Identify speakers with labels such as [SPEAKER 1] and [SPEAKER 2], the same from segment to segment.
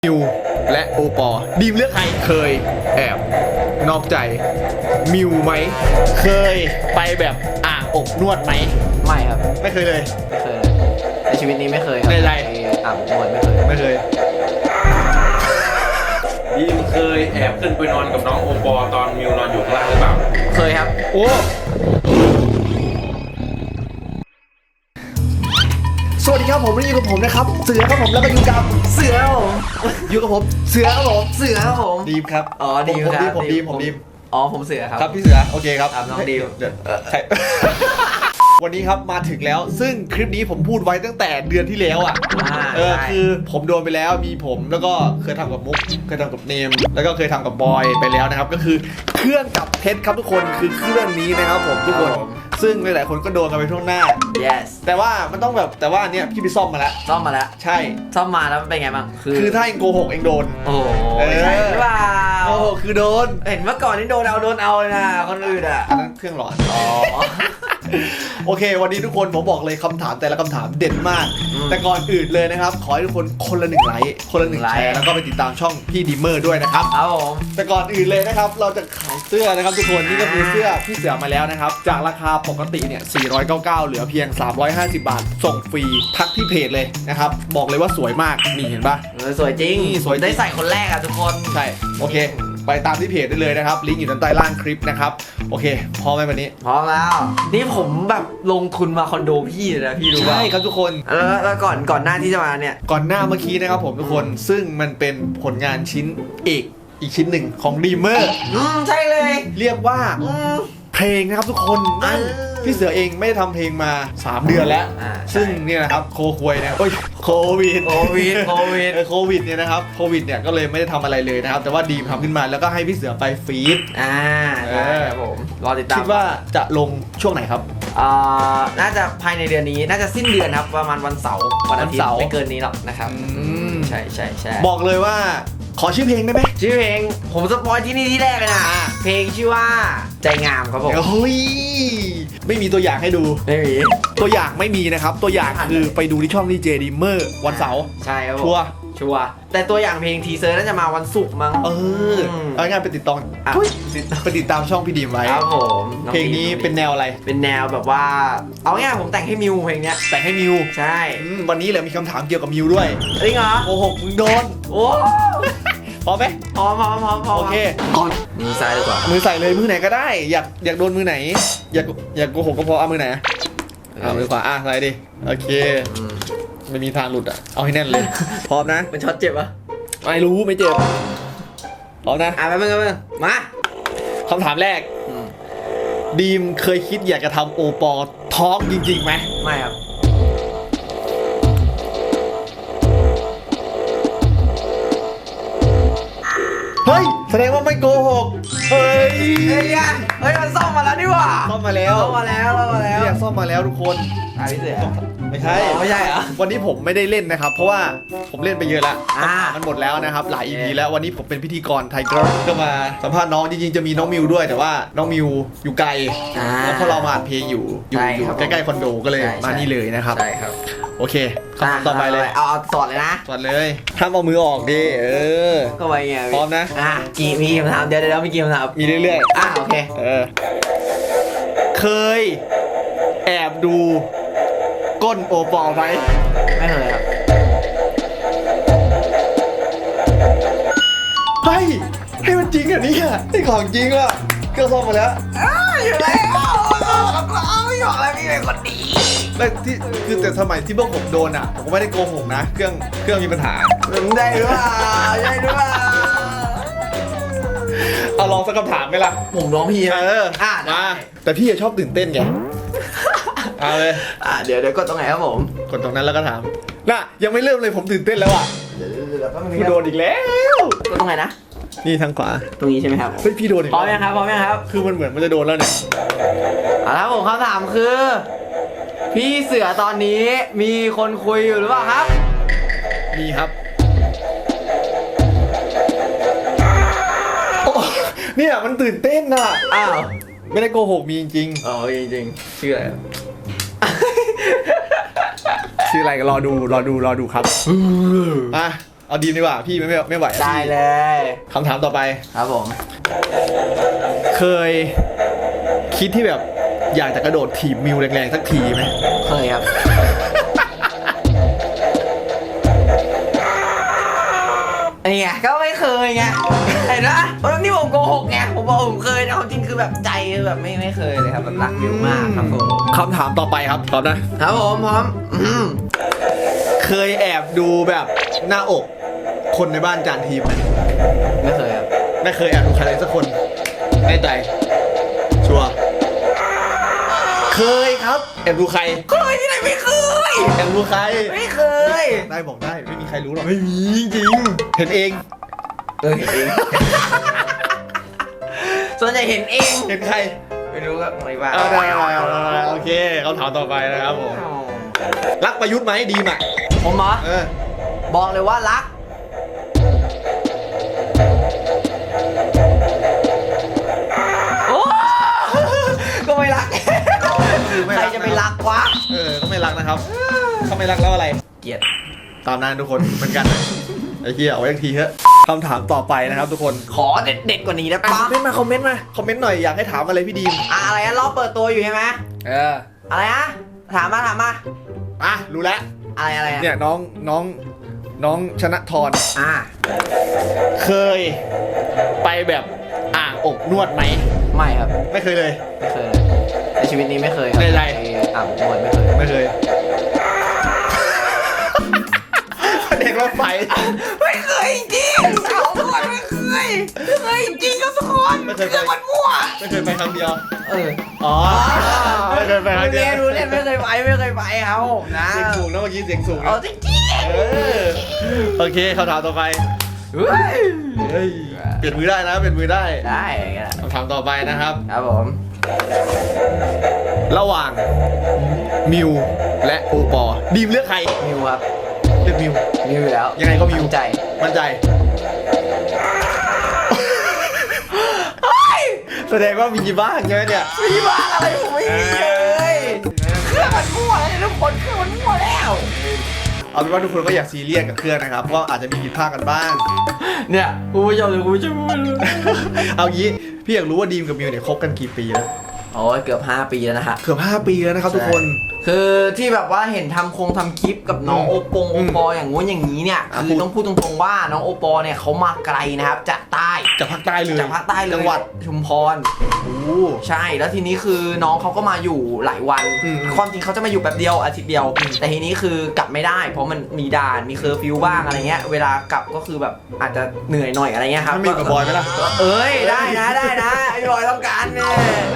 [SPEAKER 1] มิวและโอปอดีมเลือกใครเคยแอบนอกใจมิวไหมเคยไปแบบอ่างอบนวดไหม
[SPEAKER 2] ไม่ครับ
[SPEAKER 1] ไม่เคยเลย
[SPEAKER 2] ไม่เคยเลยในชีวิตนี้ไม่เคยครับ
[SPEAKER 1] ใน
[SPEAKER 2] อาบนวดไม่เคย
[SPEAKER 3] ดีมเคยแอบขึ้นไปนอนกับน้องโอปอตอนมิวนอนอยู่ข้างล่างหรือเปล่า
[SPEAKER 2] เคยครับ
[SPEAKER 1] โอ้สวัสดีครับผมอยู่กับผมนะครับเสือครับผมแล้วก็อยู่กับ
[SPEAKER 2] เสือครับผม
[SPEAKER 1] อยู่กับผมเสือครับผม
[SPEAKER 2] เสือครับผม
[SPEAKER 1] ดีมครับ
[SPEAKER 2] อ๋อดีมครับ
[SPEAKER 1] ผมดีม
[SPEAKER 2] อ๋อผมเสือครับ
[SPEAKER 1] ครับพี่เสือโอเคครับ
[SPEAKER 2] น้องดีม
[SPEAKER 1] วันนี้ครับมาถึงแล้วซึ่งคลิปนี้ผมพูดไว้ตั้งแต่เดือนที่แล้วอ่ะคือผมโดนไปแล้วมีผมแล้วก็เคยทำกับมุกเคยทำกับเนมแล้วก็เคยทำกับบอยไปแล้วนะครับก็คือเครื่องจับเท็จครับทุกคนคือเครื่องนี้นะครับผมทุกคนซึ่งหลายๆคนก็โดนกันไปทั่วหน้า
[SPEAKER 2] yes
[SPEAKER 1] แต่ว่ามันต้องแบบแต่ว่าเนี่ยพี่ไปซ่อมมาแล้วใช่
[SPEAKER 2] ซ่อมมาแล้วมันเป็นไงบ้าง
[SPEAKER 1] คือถ้าเองโกหกเองโดน
[SPEAKER 2] โอ้ใช่หรือเปล่า
[SPEAKER 1] โอ้คือโดน
[SPEAKER 2] เห็นเมื่อก่อนนี่โดนเอาเลยนะคนอื่นอ่ะ
[SPEAKER 1] อันนั้นเครื่องหลอนโอเควันนี้ทุกคนผมบอกเลยคำถามแต่ละคำถามเด็ดมากแต่ก่อนอื่นเลยนะครับขอให้ทุกคนคนละ1 ไลค์คนละ1 แชร์แล้วก็ไปติดตามช่องพี่ดีเมอร์ด้วยนะครับ
[SPEAKER 2] ครับผม
[SPEAKER 1] แต่ก่อนอื่นเลยนะครับเราจะขายเสื้อนะครับทุกคนนี่ก็คือเสื้อพี่เสือมาแล้วนะครับจากราคาปกติเนี่ย499เหลือเพียง350 บาทส่งฟรีทักที่เพจเลยนะครับบอกเลยว่าสวยมากนี่เห็นปะ
[SPEAKER 2] สวยจริง
[SPEAKER 1] สวย
[SPEAKER 2] ได้ใส่คนแรกอ่ะทุกคน
[SPEAKER 1] ใช่โอเคไปตามที่เพจได้เลยนะครับลิงก์อยู่ด้านใต้ล่างคลิปนะครับโอเคพร้อมไหมวันนี้
[SPEAKER 2] พร้อมแล้วนี่ผมแบบลงทุนมาคอนโดพี่เลยนะพี่รู้ป่ะ
[SPEAKER 1] ใช่ครับทุกคน
[SPEAKER 2] แล้วก่อนหน้าที่จะมาเนี่ย
[SPEAKER 1] ก่อนหน้าเมื่อกี้นะครับผมทุกคนซึ่งมันเป็นผลงานชิ้นเอกอีกชิ้นหนึ่งของดีเมอร์
[SPEAKER 2] ใช่เลย
[SPEAKER 1] เรียกว่าเพลงนะครับทุกคนนั่นพี่เสือเองไม่ได้ทำเพลงมา3 เดือนแล้วซึ่งเนี่ยนะครับโควิดเนี่ยโควิดเนี่ยนะครับโควิดเนี่ยก็เลยไม่ได้ทำอะไรเลยนะครับแต่ว่าดีมทำขึ้นมาแล้วก็ให้พี่เสือไปฟีด
[SPEAKER 2] ครับผมรอติดตาม
[SPEAKER 1] คิดว่าจะลงช่วงไหนครับ
[SPEAKER 2] น่าจะภายในเดือนนี้น่าจะสิ้นเดือนครับประมาณวันเสาร์วันอาทิตย์ไม่เกินนี้หรอกนะครับใช่
[SPEAKER 1] บอกเลยว่าขอชื่อเพลงได้ไหม
[SPEAKER 2] ชื่อเพลงผมสปอยที่นี่ที่แรกเลยนะเพลงชื่อว่าใจงามครับผม
[SPEAKER 1] เฮ้ยไม่มีตัวอย่างให้ดู
[SPEAKER 2] ไม่มี
[SPEAKER 1] ตัวอย่างไม่มีนะครับตัวอย่างคือไปดูที่ช่องดีเจดีเมอร์วันเสาร์
[SPEAKER 2] ใช่ครับ
[SPEAKER 1] ชัวร์
[SPEAKER 2] แต่ตัวอย่างเพลงทีเซอร์น่าจะมาวันศุกร์มั้ง
[SPEAKER 1] เอาง่ายไปติดตามช่องพี่ดีมไว้
[SPEAKER 2] ครับผม
[SPEAKER 1] เพลงนี้เป็นแนวอะไร
[SPEAKER 2] เป็นแนวแบบว่าเอาง่ายผมแต่งให้มิวเพลงเนี้ย
[SPEAKER 1] แต่งให้มิว
[SPEAKER 2] ใช่
[SPEAKER 1] วันนี้แหละมีคำถามเกี่ยวกับมิวด้วย
[SPEAKER 2] จริงเหรอ
[SPEAKER 1] โอ้โหมึงโดน
[SPEAKER 2] โอ้
[SPEAKER 1] พร้อมไหม
[SPEAKER 2] พร้อม
[SPEAKER 1] โอเค
[SPEAKER 2] ก่อนมือซ้ายดีกว่า
[SPEAKER 1] มือใส่เลยมือไหนก็ได้อยากโดนมือไหนอยากโกหกก็พอเอามือไหนเอามือขวาใส่ดิโอเคไม่มีทางหลุดเอาให้แน่นเลยพร้อมนะ
[SPEAKER 2] มันช็อตเจ็บปะ
[SPEAKER 1] ไม่รู้ไม่เจ็บพร้อมนะ
[SPEAKER 2] ไปมา
[SPEAKER 1] คำถามแรกดีมเคยคิดอยากจะทำโอปอท้องจริงๆไหม
[SPEAKER 2] ไม่ครับ
[SPEAKER 1] เฮ้ยแสดงว่าไม่โกหกเฮ้ย
[SPEAKER 2] มันซ่อมมาแล้วนี่หว่า
[SPEAKER 1] ซ่อมมาแล้วเนี่ยซ่อมมาแล้วทุกคน
[SPEAKER 2] พี่เสือ
[SPEAKER 1] ไม่ใช่
[SPEAKER 2] เหรอ
[SPEAKER 1] วันนี้ผมไม่ได้เล่นนะครับเพราะว่าผมเล่นไปเยอะแล้วมันหมดแล้วนะครับหลาย EP แล้ววันนี้ผมเป็นพิธีกรไทเกอร์ก็มาสัมภาษณ์น้องจริงๆจะมีน้องมิวด้วยแต่ว่าน้องมิวอยู่ไกลแล้วพอเรามาอัดเพลงอยู่ใกล้ๆคอนโดก็เลยมานี่เลยนะครับ
[SPEAKER 2] ใช่ครับ
[SPEAKER 1] โอเคต่อไปเลย
[SPEAKER 2] เอาสอดเลยนะ
[SPEAKER 1] สอดเลยห้ามเอามือออกดิ
[SPEAKER 2] ก็ไปไง
[SPEAKER 1] พร้อมนะ
[SPEAKER 2] มีคำถามเดี๋ยวมีกี่คำถาม
[SPEAKER 1] มีเรื่อย
[SPEAKER 2] ๆโอเค
[SPEAKER 1] เคยแอบดูก้นโอปอไหม
[SPEAKER 2] ไม่เคยครับ
[SPEAKER 1] ให้มันจริงอ่ะนี่นี่ของจริงอ่ะเครื่องซ่อมมาแล้ว
[SPEAKER 2] อยู่แล้วไม่บอกแล้วพี่เป็นคนดี
[SPEAKER 1] ที่คือแต่สมัยที่พวกผมโดนอ่ะผมก็ไม่ได้โกหกนะเครื่องมีปัญหา
[SPEAKER 2] ได้หรือเปล่า
[SPEAKER 1] เอาลองสักคำถามไหมล่ะ
[SPEAKER 2] ผมร้องพี่
[SPEAKER 1] มาแต่พี่ชอบตื่นเต้นไงเอาเลย
[SPEAKER 2] เดี๋ยวกดตรงไหนครับผม
[SPEAKER 1] กดตรงนั้นแล้วก็ถามน่ะยังไม่เริ่มเลยผมตื่นเต้นแล้วอ่ะพี่โดนอีกแล้ว
[SPEAKER 2] กดตรงไหนนะ
[SPEAKER 1] นี่ทางขวา
[SPEAKER 2] ตรงนี้ใช่ไหมครับ
[SPEAKER 1] พี่โดนอีก
[SPEAKER 2] พร้อมยังครับ
[SPEAKER 1] คือมันเหมือนมันจะโดนแล้วเนี่ย
[SPEAKER 2] แล้วผมคำถามคือพี่เสือตอนนี้มีคนคุยอยู่หรือเปล่าครับ
[SPEAKER 1] มีครับเนี่ยมันตื่นเต้นน่ะไม่ได้โกหกมีจริง
[SPEAKER 2] จริงชื่ออะไร
[SPEAKER 1] ชื่ออะไรก็รอดูครับเอาดีมดีกว่าพี่ไม่ไหว
[SPEAKER 2] ได้เลย
[SPEAKER 1] คำถามต่อไป
[SPEAKER 2] ครับผม
[SPEAKER 1] เคยคิดที่แบบอยากจะกระโดดถีบมิวแรงๆสักทีไหม
[SPEAKER 2] เคยครับนี่ไงก็ไม่เคยไงเห็นไหมเพราะนี่ผมโกหกไงผมบอกผมเคยนะความจริงคือแบบใจแบบไม่เคยเลยครับแบบรักมิวมากครับผม
[SPEAKER 1] คำถามต่อไปครับพร้อมนะครับ
[SPEAKER 2] ผมพร้อม
[SPEAKER 1] เคยแอบดูแบบหน้าอกคนในบ้านจานทีมไหม
[SPEAKER 2] ไม่เคยครับ
[SPEAKER 1] ไม่เคยแอบดูใครเลยสักคนแน่ใจชัวร์เคยครับแอบดูใคร
[SPEAKER 2] เคยที่ไหนไม่เคย
[SPEAKER 1] แอบดูใคร
[SPEAKER 2] ไม่เคย
[SPEAKER 1] ได้บอกได้ไม่มีใครรู้หรอกไม่มีจริงๆเห็นเอง
[SPEAKER 2] เห็นเองส่วนใหญ่เห็นเอง
[SPEAKER 1] เห็นใคร
[SPEAKER 2] ไม่รู้ก็ไม่ว่า
[SPEAKER 1] เอาได้โอเคคำถามต่อไปนะครับผมรักประยุทธ์ไหมดีมอ่ะ
[SPEAKER 2] ผมเหรอ บอกเลยว่ารักโอ้ก็ไม่รักใครจะไปรักวะ
[SPEAKER 1] ก็ไม่รักนะครับเขาไม่รักแล้วอะไร
[SPEAKER 2] เกลียด
[SPEAKER 1] ตามนั้นทุกคนเหมือนกันไอ้เหี้ยเอาไว้อีกทีเถอะคำถามต่อไปนะครับทุกคน
[SPEAKER 2] ขอเด็ดๆกว่านี้ได้
[SPEAKER 1] ค
[SPEAKER 2] ปะ
[SPEAKER 1] อมเมนต์มาคอมเมนต์หน่อยอยากให้ถามอะไรพี่ดีม
[SPEAKER 2] อะไรนะรอบเปิดตัวอยู่ใช่ไหมอะไรนะถามมา
[SPEAKER 1] อ่ะรู้แล้ว
[SPEAKER 2] อะไรอะ
[SPEAKER 1] เนี่ยน้องชนะทร เคยไปแบบอ่างอบนวดไหม
[SPEAKER 2] ไม่ครับ
[SPEAKER 1] ไม่เคยเลย
[SPEAKER 2] ไม่เคยเลยในชีวิตนี้ไม่เคยครับ
[SPEAKER 1] ในไร
[SPEAKER 2] อาบนวดไม่เคย
[SPEAKER 1] ไม่เคยเด็กรถไฟ
[SPEAKER 2] ไม่เคยจริงอาบนวดไม่เคยจริงครับทุกคน
[SPEAKER 1] ไม่เคยไป
[SPEAKER 2] เรื่องมันมั่ว
[SPEAKER 1] ไม่เคยไปครั้งเดียว
[SPEAKER 2] อ๋อ
[SPEAKER 1] ไม่เคยไปครั้งเดียว
[SPEAKER 2] รู้เล่นไม่เคยไปครับผมนะ
[SPEAKER 1] เสียงสูงนะเมื่อกี้เสียงสูง
[SPEAKER 2] เอาจริง
[SPEAKER 1] โอเคคำถามต่อไป
[SPEAKER 2] ๆเฮ้ย
[SPEAKER 1] เฮ้ยเปลี่ยนมือได้นะเปลี่ยนมือได้
[SPEAKER 2] ได้ก็ได้
[SPEAKER 1] คำถามต่อไปนะครับ
[SPEAKER 2] ครับผม
[SPEAKER 1] ระหว่างมิวและโอปอดีมเลือกใคร
[SPEAKER 2] มิวครับ
[SPEAKER 1] เลือกมิว
[SPEAKER 2] มิวอยู่แล้ว
[SPEAKER 1] ยังไงก็มิว
[SPEAKER 2] มั่นใจ
[SPEAKER 1] มั่นใจแสดงว่ามีบ้างใช่ไหมเนี่ย
[SPEAKER 2] มีบ้างอะไรผมไม่มีเลยเครื่องมันมั่วแล้วทุกคนเครื่องมันมั่วแล้ว
[SPEAKER 1] เอาเป็นว่าทุกคนก็อยากซีเรียสกับเครื่องนะครับเพราะอาจจะมีผิดพลาดกันบ้าง
[SPEAKER 2] เนี่ยคุณผู้ชมหรือคุณผู้ชม
[SPEAKER 1] เอางี้พี่อยากรู้ว่าดีมกับมิวเนี่ยคบกันกี่ปีแล้ว
[SPEAKER 2] โอ้ยเกือบ5 ปีแล้วนะฮะ
[SPEAKER 1] เกือบ5 ปีแล้วนะครับทุกคน
[SPEAKER 2] คือที่แบบว่าเห็นทำคลิปกับน้องโอปออย่างงู้นอย่างนี้เนี่ยคือต้องพูดตรงๆว่าน้องโอปอเนี่ยเขามาไกลนะครับจากใต้
[SPEAKER 1] จากภาคใต้เลย
[SPEAKER 2] จากภาคใต้เลย
[SPEAKER 1] จังหวัด
[SPEAKER 2] ชุมพร
[SPEAKER 1] โอ้
[SPEAKER 2] ใช่แล้วทีนี้คือน้องเขาก็มาอยู่หลายวัน
[SPEAKER 1] อืม
[SPEAKER 2] ความจริงเขาจะมาอยู่แบบเดียวอาทิตย์เดียว แต่ทีนี้คือกลับไม่ได้ เพราะมันมีด่านมีเคอร์ฟิวบ้างอะไรเงี้ยเวลากลับก็คือแบบอาจจะเหนื่อยหน่อยอะไรเงี้ยครับ
[SPEAKER 1] มันมีกับบอยไหมล่ะ
[SPEAKER 2] เอ้ยได้นะไอ้บอยต้องการเนี่ย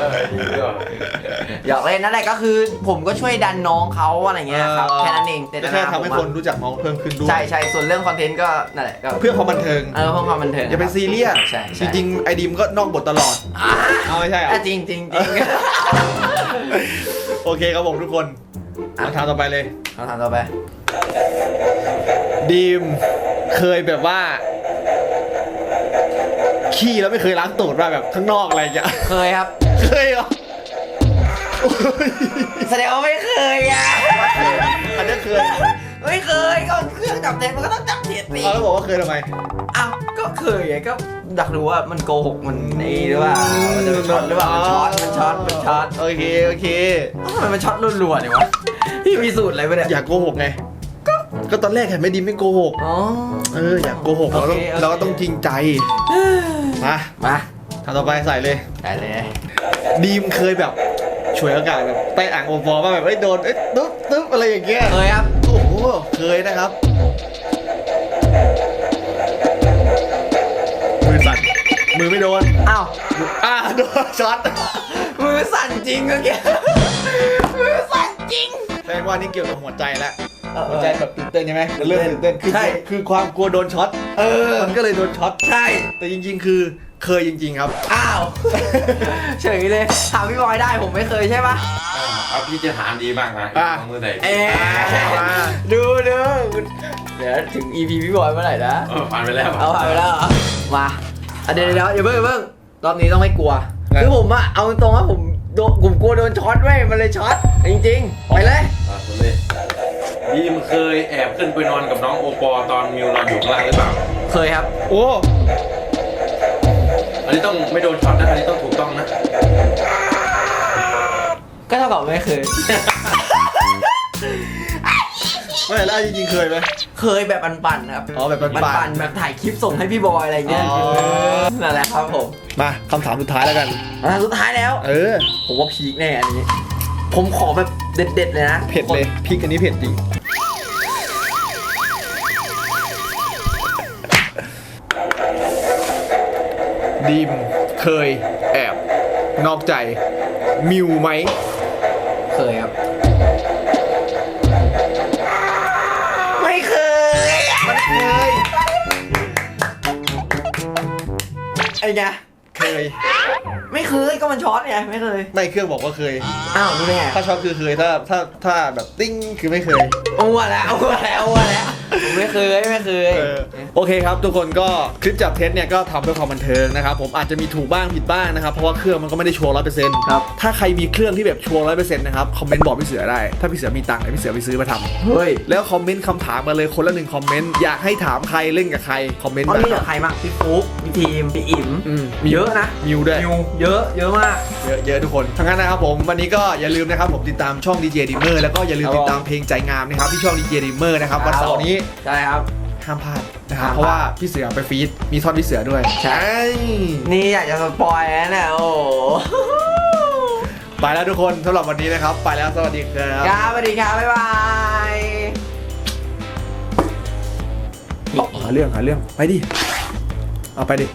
[SPEAKER 2] อยากเล่นนั่นแหละก็คือผมก็ช่วยดันน้องเขาอะไรเงี้ยครับแค่นั้นเอง
[SPEAKER 1] จะแค่ทำให้คนรู้จักน้องเพิ่มขึ้นด้วย
[SPEAKER 2] ใช่ส่วนเรื่องคอนเทนต์ก็นั่นแหละก็
[SPEAKER 1] เพื่อความบันเทิง
[SPEAKER 2] เพื่อความบันเทิง
[SPEAKER 1] อย่าไปซีเรียส
[SPEAKER 2] ใช่
[SPEAKER 1] จริงๆไอดีมก็นอกบทตลอดเอาไม่ใช่เหรอ
[SPEAKER 2] จริงจริง
[SPEAKER 1] โอเคครับผมทุกคนคำถามต่อไปเลย
[SPEAKER 2] คำถามต่อไป
[SPEAKER 1] ดีมเคยแบบว่าขี้แล้วไม่เคยล้างตูดว่าแบบข้างนอกอะไรอย่างเงี้ย
[SPEAKER 2] เคยครับ
[SPEAKER 1] เคยเหรอ
[SPEAKER 2] แสดงว่าไม่เคยอ่ะ
[SPEAKER 1] อันนี้เคย
[SPEAKER 2] ไม่เคยก็เครื่องจับเท็จมันก็ต้องจับเท็จสิ
[SPEAKER 1] เอาแล้วบอกว่าเคยทำไม
[SPEAKER 2] อ้าวก็เคยไงก็อยากรู้ว่ามันโกหกมันนี่หรือเปล่ามันจะช็อตหรือเปล่ามันช็อต
[SPEAKER 1] โอเค
[SPEAKER 2] ทำไมมันช็อตรัวๆเนี่ยวะพี่มีสูตรอะไรปะเนี่ย
[SPEAKER 1] อยากโกหกไงก็ตอนแรกเห็นไม่ดีไม่โกหก
[SPEAKER 2] อ๋อ
[SPEAKER 1] อยากโกหกเราก็ต้องจริงใจมา ทำต่อไปใส่เลย
[SPEAKER 2] ได้เลย
[SPEAKER 1] ดีมเคยแบบฉวยโอกาสแบบไปอ่างโอปอว่าแบบโดนตึ๊บอะไรอย่างเงี้ย
[SPEAKER 2] เคยครับ
[SPEAKER 1] โอ้โหเคยนะครับมือสั่นมือไม่โดน
[SPEAKER 2] อ้าว
[SPEAKER 1] โดนช็อต
[SPEAKER 2] มือสั่นจริงเมื่อกี้มือสั่นจริง
[SPEAKER 1] แสดงว่านี่เกี่ยวกับหัวใจแล้วหัวใจแบบตื่นเต้นใช่ไหมเริ่มตื่นเต้น
[SPEAKER 2] ใช่
[SPEAKER 1] คือความกลัวโดนช็อตมันก็เลยโดนช็อต
[SPEAKER 2] ใช่
[SPEAKER 1] แต่จริงๆคือเคยจริงๆครับ
[SPEAKER 2] อ้าวเฉยเลยถามพี่บอยได้ผมไม่เคยใช่ปะ
[SPEAKER 3] เอาพี่จะถามดีมากนะมือไหน
[SPEAKER 2] ดูเดี๋ยวถึง EP พี่บอยเมื่อไหร่นะ
[SPEAKER 3] ผ่านไปแล้ว
[SPEAKER 2] เอาผ่านไปแล้วเหรอมาเดี๋ยวอย่าเพิ่งรอบนี้ต้องไม่กลัวคือผมอะเอาตรงว่าผมกลัวโดนช็อตเว้ยมันเลยช็อตจริงๆไปเลย
[SPEAKER 3] คุณเลยบีมเคยแอบขึ้นไปนอนกับน้องโอปอตอนมิวนอนอยู่ข้างล่างหรือเปล่า
[SPEAKER 2] เคยครับ
[SPEAKER 1] โอ้
[SPEAKER 3] อันนี้ต้องไม่โดนช็อตนะ อันนี้ต้องถูกต้องนะ
[SPEAKER 2] ก็เท่ากับไม่เคย
[SPEAKER 1] ไม่แล้วจริงๆเคยไหม
[SPEAKER 2] เคยแบบปั่นๆครับ
[SPEAKER 1] อ๋อแบบปั่นๆ
[SPEAKER 2] ปั่นๆแบบถ่ายคลิปส่งให้พี่บอยอะไรเงี้ย
[SPEAKER 1] อ๋อ
[SPEAKER 2] นั่นแหละครับผม
[SPEAKER 1] มาคำถามสุดท้ายแล้วกัน
[SPEAKER 2] สุดท้ายแล้ว
[SPEAKER 1] เออ
[SPEAKER 2] ผมว่าพีคแน่อันนี้ ผมขอแบบเด็ดๆเลยนะ
[SPEAKER 1] เผ็ดเลยพริกอันนี้เผ็ดจริงดีมเคยแอบนอกใจมิวไหม
[SPEAKER 2] เคยครับ ไม่เคย
[SPEAKER 1] มันเคย
[SPEAKER 2] ไอ้ไง
[SPEAKER 1] เคย
[SPEAKER 2] ไม่เคยก็มันช็อตไงไม่เคย
[SPEAKER 1] ไม่เครื่องบอกว่าเคย
[SPEAKER 2] อ้าวรู้ได้ไง
[SPEAKER 1] ถ้าช็อตคือเคยถ้าแบบติ้งคือไม่เคย
[SPEAKER 2] เอาแล้วผมไม่เคย
[SPEAKER 1] โอเคครับทุกคนก็คลิปจับเท็จเนี่ยก็ทำเพื่อความบันเทิงนะครับผมอาจจะมีถูกบ้างผิดบ้างนะครับเพราะว่าเครื่องมันก็ไม่ได้ชัวร์100%
[SPEAKER 2] ครับ
[SPEAKER 1] ถ้าใครมีเครื่องที่แบบชัวร์100%นะครับคอมเมนต์บอกพี่เสือได้ถ้าพี่เสือมีตังค์เดี๋ยวพี่เสือไปซื้อมาทำ
[SPEAKER 2] เฮ้ย
[SPEAKER 1] แล้วคอมเมนต์คำถามมาเลยคนละ1คอมเมนต์อยากให้ถามใครเล่นกับใครคอมเมนต์
[SPEAKER 2] เอา
[SPEAKER 1] มา
[SPEAKER 2] เล่นกับใครบ้างพี่ฟุ๊กพี่ทีมพี่อิ๋ม เยอะนะ
[SPEAKER 1] มิวด้วย
[SPEAKER 2] เยอะมาก
[SPEAKER 1] เยอะทุกคนทั้งนั้นนะครับผมวันนี้ก็อย่าลืมนะครับผมติดตามช่อง DJ Dimmer แล้วก็อย่าลืม
[SPEAKER 2] ครับ
[SPEAKER 1] ติดตามเพลงใจงามนะครับที่ช่อง DJ Dimmer นะครับวันเสาร์นี้
[SPEAKER 2] ใช่ครับ
[SPEAKER 1] ห้ามพลาดนะครับ
[SPEAKER 2] ห้ามพลาด
[SPEAKER 1] เพราะว่าพี่เสือไปฟีดมีท่อนพี่เสือด้วย
[SPEAKER 2] ใช่ นี่อยากจะสปอยแล้วเนี่ยโอ้โห
[SPEAKER 1] ไปแล้วทุกคนสำหรับวันนี้นะครับ ไปแล้วสวัสดีครับ
[SPEAKER 2] ครับสวัสดีครับบ๊ายบาย
[SPEAKER 1] หาเรื่องไปดิเอาไปดิ